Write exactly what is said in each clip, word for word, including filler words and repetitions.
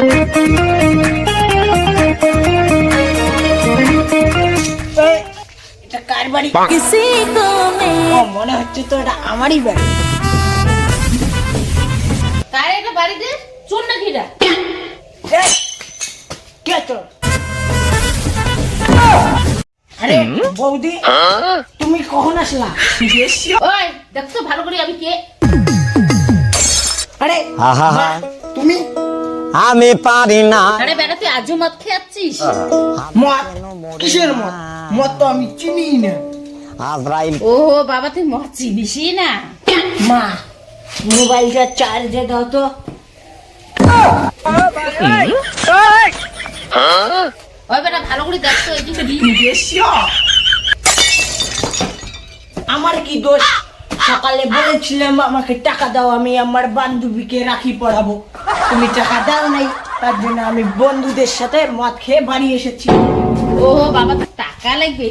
এটা কার বাড়ি? মনে হচ্ছে তো এটা আমারই বাড়ি। কার এটা বাড়িতে? চোর নাকি এটা? কে চোর? আরে বৌদি, তুমি কখন আসলা? ওই দেখছো ভালো করে আমি কে? আরে আহা হা, তুমি আমি পারি না। আরে বেটা তুই আজও মদ খেয়ে যাচ্ছিস? মদ? কিসের মদ? মদ তো আমি চিনি না। আজরাইল ও বাবা তুই মদ চিনিসই না? মা, মোবাইলটা চার্জে দাও তো। ওই বেটা ভালো করে দেখছো এই যে কি? আমার কি দোষ? সকালে বলেছিলাম আমাকে টাকা দাও, আমি আমার বান্ধবীকে রাখি পড়াবো। তুমি টাকা দাও নাই, তার জন্য আমি বন্ধুদের সাথে মদ খেয়ে বাড়ি এসেছি। ও বাবা তোর টাকা লাগবে?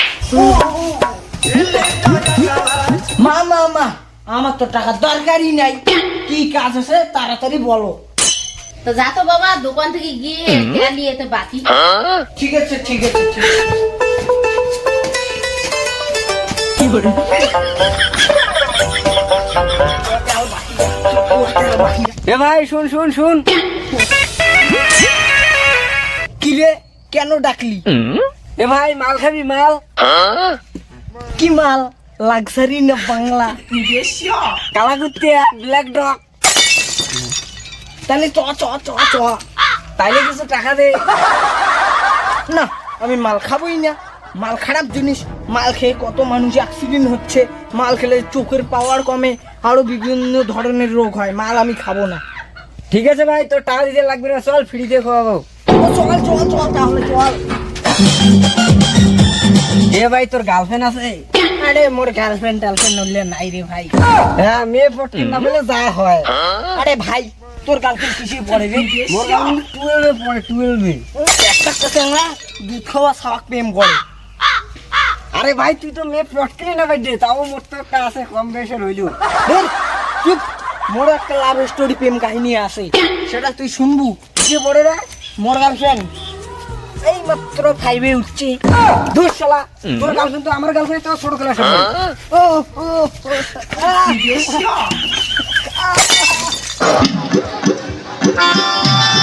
মা মা মা, আমার তো টাকা দরকারই নাই। কি কাজ আছে তাড়াতাড়ি বলো। তো যা তো বাবা দোকান থেকে গিয়ে এটা নিয়ে তো বাকি। ঠিক আছে ঠিক আছে ঠিক আছে। কি করে? এ ভাই শুন শুন শুন, কি রে, কেন ডাকলি? এ ভাই মাল খাবি মাল? কি মাল? লাক্সারি না বাংলা? কালা কুত্তে ব্ল্যাক ডগ। তাহলে চ চ চ চ। তাইলে কিছু টাকা দে। না, আমি মাল খাবোই না। মাল খারাপ জিনিস। মাল খেয়ে কত মানুষ অ্যাক্সিডেন্ট হচ্ছে। মাল খেলে চোখের পাওয়ার কমে, আরো বিভিন্ন ধরনের রোগ হয়। মাল আমি খাবো না। ঠিক আছে ভাই, তোর টাকা দিতে লাগবে না, চল ফ্রিতে খাওয়াবো। ও চল চল চল তাহলে চল। এ ভাই তোর গার্লফ্রেন্ড আছে? আরে মোর গার্লফ্রেন্ড টার্লফ্রেন্ড নড়লে নাই রে ভাই। হ্যাঁ, মেয়ে পড়তে না বলে যা হয়। আরে ভাই, তোর গার্লফ্রেন্ড কিসে পড়ে রে? মোর গার্লফ্রেন্ড টুয়েলভে পড়ে, টুয়েলভে। একটা কথা না, দুধ খাওয়া শাক প্রেম করে। আরে ভাই তুই তো মেয়ে পটকেলি না ভাই দে, তাও মোর তো একটা আছে কম বয়সের হইলো। ধুর, চুপ। মোর একটা লাভ স্টোরি প্রেম কাহিনী আছে, সেটা তুই শুনবু। কিসে পড়ে রে? মোর গার্লফ্রেন্ড এই মাত্র ফাইভে উঠছি। দূর শালা, তোর গার্লফ্রেন্ড তো আমার গার্লফ্রেন্ড তো ছোট ক্লাসে পড়ে। ও ও ও, আহ।